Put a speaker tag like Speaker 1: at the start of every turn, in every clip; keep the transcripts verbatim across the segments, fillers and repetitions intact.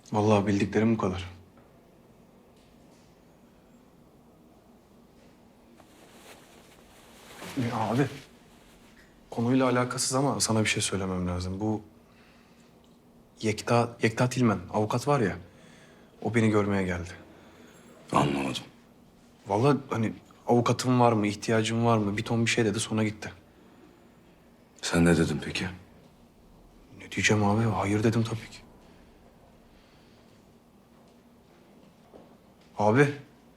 Speaker 1: Vallahi bildiklerim bu kadar. Ya abi, konuyla alakasız ama sana bir şey söylemem lazım. Bu Yekta, Yekta Tilmen, avukat var ya, o beni görmeye geldi.
Speaker 2: Anlamadım.
Speaker 1: Vallahi hani avukatım var mı, ihtiyacım var mı bir ton bir şey dedi sonra gitti.
Speaker 2: Sen ne dedin peki?
Speaker 1: Ne diyeceğim abi? Hayır dedim tabii ki. Abi.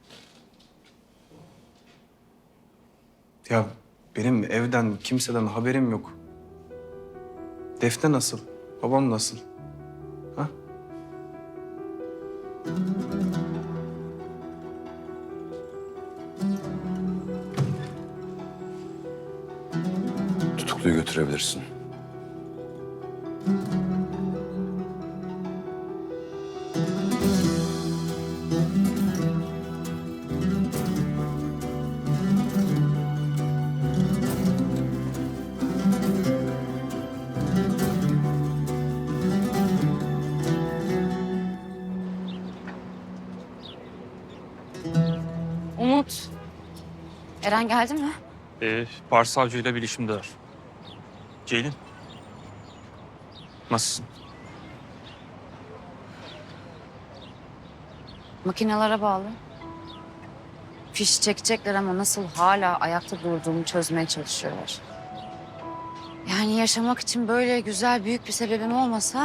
Speaker 1: Ya benim evden, kimseden haberim yok. Defne nasıl? Babam nasıl? Ha?
Speaker 2: Tutukluyu götürebilirsin.
Speaker 3: Umut. Eren geldi mi?
Speaker 4: Ee, Başsavcıyla bilişimdeler. Ceylin. Nasılsın?
Speaker 3: Makinelere bağlı. Fiş çekecekler ama nasıl hala ayakta durduğumu çözmeye çalışıyorlar. Yani yaşamak için böyle güzel büyük bir sebebim olmasa...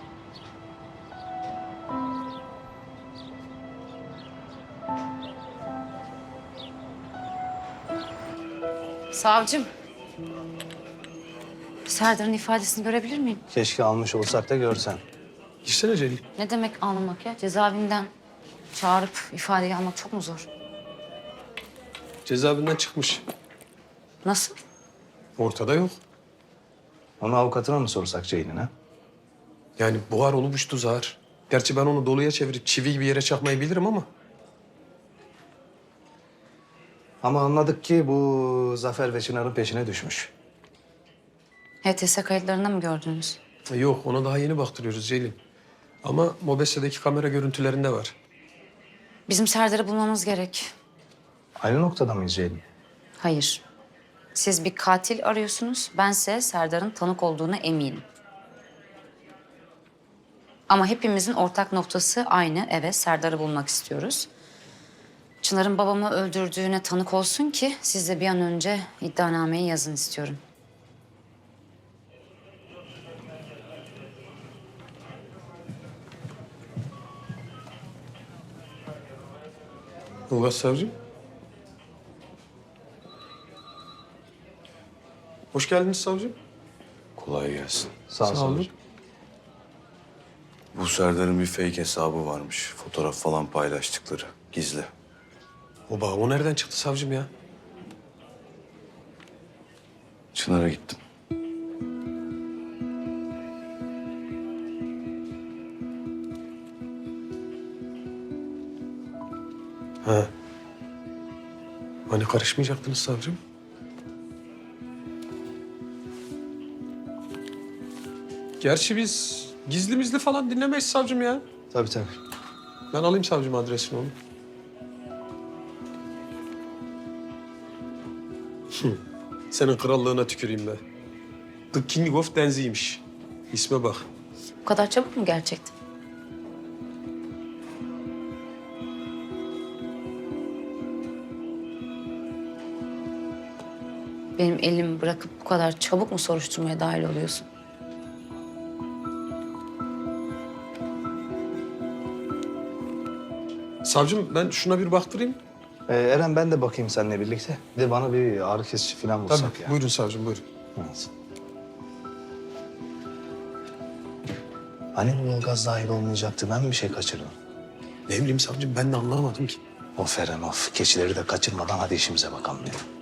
Speaker 3: Savcım. Serdar'ın ifadesini görebilir miyim?
Speaker 5: Keşke almış olsak da görsen.
Speaker 1: Girsene Celil.
Speaker 3: Ne demek almak ya? Cezaevinden çağırıp ifadeyi almak çok mu zor?
Speaker 6: Cezaevinden çıkmış.
Speaker 3: Nasıl?
Speaker 6: Ortada yok.
Speaker 5: Onu avukatına mı sorsak Ceylin'e?
Speaker 6: Yani buhar olmuştu zar. Gerçi ben onu doluya çevirip çivi gibi yere çakmayı bilirim ama.
Speaker 5: Ama anladık ki bu Zafer ve Çınar'ın peşine düşmüş.
Speaker 3: H T S kayıtlarında mı gördünüz?
Speaker 6: E, Yok ona daha yeni baktırıyoruz Ceylin. Ama Mobese'deki kamera görüntülerinde var.
Speaker 3: Bizim Serdar'ı bulmamız gerek.
Speaker 5: Aynı noktada mıyız Ceylin?
Speaker 3: Hayır. Siz bir katil arıyorsunuz. Bense Serdar'ın tanık olduğuna eminim. Ama hepimizin ortak noktası aynı. Evet, Serdar'ı bulmak istiyoruz. Çınar'ın babamı öldürdüğüne tanık olsun ki siz de bir an önce iddianameyi yazın istiyorum.
Speaker 6: Ulgas savcım. Hoş geldiniz savcım.
Speaker 2: Kolay gelsin.
Speaker 5: Sağ,
Speaker 6: Sağ olun.
Speaker 5: olun.
Speaker 2: Bu Serdar'ın bir fake hesabı varmış. Fotoğraf falan paylaştıkları. Gizli.
Speaker 6: Oba o nereden çıktı savcım ya?
Speaker 2: Çınar'a gittim.
Speaker 6: Ha. Hani karışmayacaktınız savcım? Gerçi biz gizli mizli falan dinlemeyiz savcım ya.
Speaker 5: Tabii tabii.
Speaker 6: Ben alayım savcım adresini onu. Hı. Senin krallığına tüküreyim be. The King of Denzi'ymiş. İsme bak.
Speaker 3: Bu kadar çabuk mu gerçekten? Benim elimi bırakıp bu kadar çabuk mu soruşturmaya dahil oluyorsun?
Speaker 6: Savcım ben şuna bir baktırayım.
Speaker 5: Ee, Eren ben de bakayım seninle birlikte. Bir de bana bir ağrı kesici falan bulsak
Speaker 6: Tabii.
Speaker 5: ya.
Speaker 6: Buyurun savcım buyurun.
Speaker 5: Evet. Hani bu Ilgaz dahil olmayacaktı? Ben mi bir şey kaçırdım?
Speaker 6: Ne bileyim savcım ben de anlamadım ki.
Speaker 5: Of Eren of. Keçileri de kaçırmadan hadi işimize bakalım ya.